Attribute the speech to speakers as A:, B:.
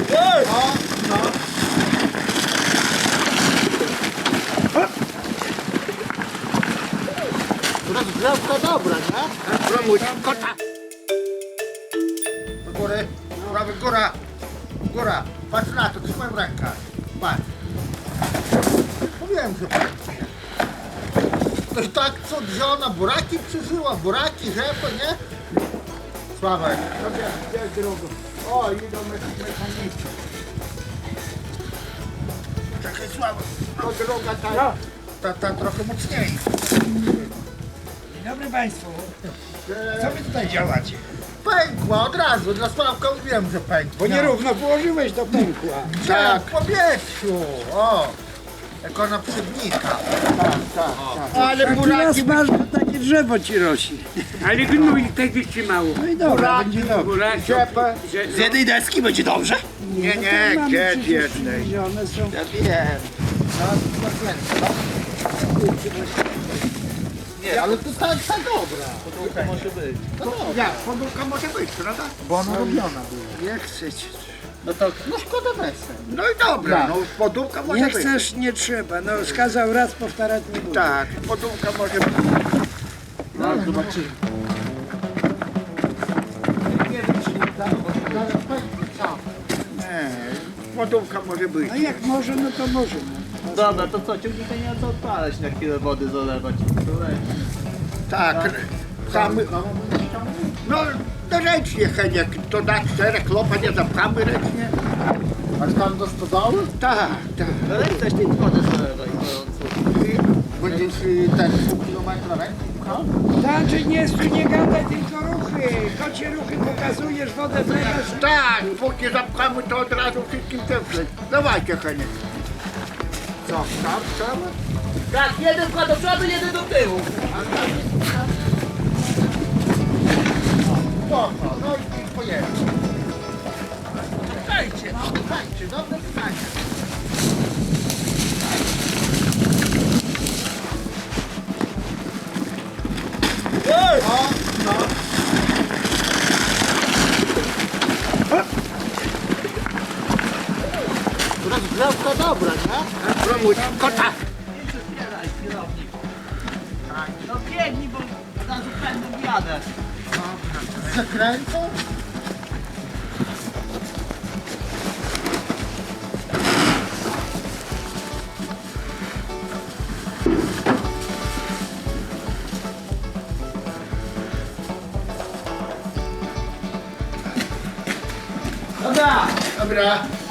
A: No, no. Rozgrzewka dobra, nie?
B: Promuć kota.
A: Do góry, prawy, góra. Góra. Patrz na to, trzymaj w rękach. Patrz. Mówiłem, że patrzcie. Ktoś tak co wzięła, buraki przyżyła, buraki, rzepy, nie? Sławek. Gdzie drugą? O, idą mechanicy. Czekaj, Sławek. To droga ta trochę mocniejsza.
C: Dzień dobry Państwu. Co Wy tutaj działacie?
A: Pękła od razu, dla Sławka mówiłem, że pękła.
C: Bo nierówno położyłeś do pękła.
A: Tak, w powietrzu. O, jak ona przybnika. Tak.
B: Ale
C: Taki
B: buraki,
C: raz masz, to takie drzewo ci rośnie.
D: Ale gnój tak wytrzymało.
C: No i dobra,
B: Buraki,
C: będzie dobrze.
D: Buraki,
A: Ciepę.
B: z jednej deski będzie dobrze?
A: Nie,
C: No
A: nie,
C: to mamy
A: gdzie
C: przecież
A: jednej?
C: przywiezione są.
B: Ja wiem.
A: Nie, ale to tak dobra.
B: Podłóżka może być.
A: No,
B: Jak? Podłóżka może być, prawda?
A: bo ona robiona była.
C: Jak chcecie.
B: No to,
A: No szkoda wesel.
B: no i dobra, no podłóżka może
C: Nie
B: być.
C: chcesz, nie trzeba. No skazał raz, powtarzać nie budę.
B: Tak, podłóżka może być.
A: No, zobaczymy. Nie wiem, czy nie da, bo to zaraz pęknie cała.
B: Nie, podłóżka może być.
C: A jak może, no to może. No.
E: Dobra, to co, ciągnika nie ma co odpalać, na chwilę wody zalewać. To leci.
B: Tak, samy. No, to ręcznie, Heniek, to na 4 klopa nie zapchamy ręcznie.
A: Aż tam do stodoły?
B: Tak, tak.
E: No ale też tej wody zalewaj gorąco.
A: Będziesz ten pół kilometra ręki pchał?
C: Znaczy nie gadaj, tylko ruchy. Kocie ruchy pokazujesz, wodę wlewasz.
B: Tak, póki zapchamy, to od razu wszystkim templeć. Dawajcie, Heniek.
A: Co, tam?
E: Tak, jeden wkład do przodu, jeden do tyłu.
A: Spoko, no i pojedzie. Słuchajcie, dobre pytanie. O, no. Rozgrzewka dobra, nie?
B: Promuć kota.
E: Zbieraj, kierownik. No biegnij, bo zaraz pędem jadę.
A: Z zakrętą?
E: Dobra,
A: Dobra.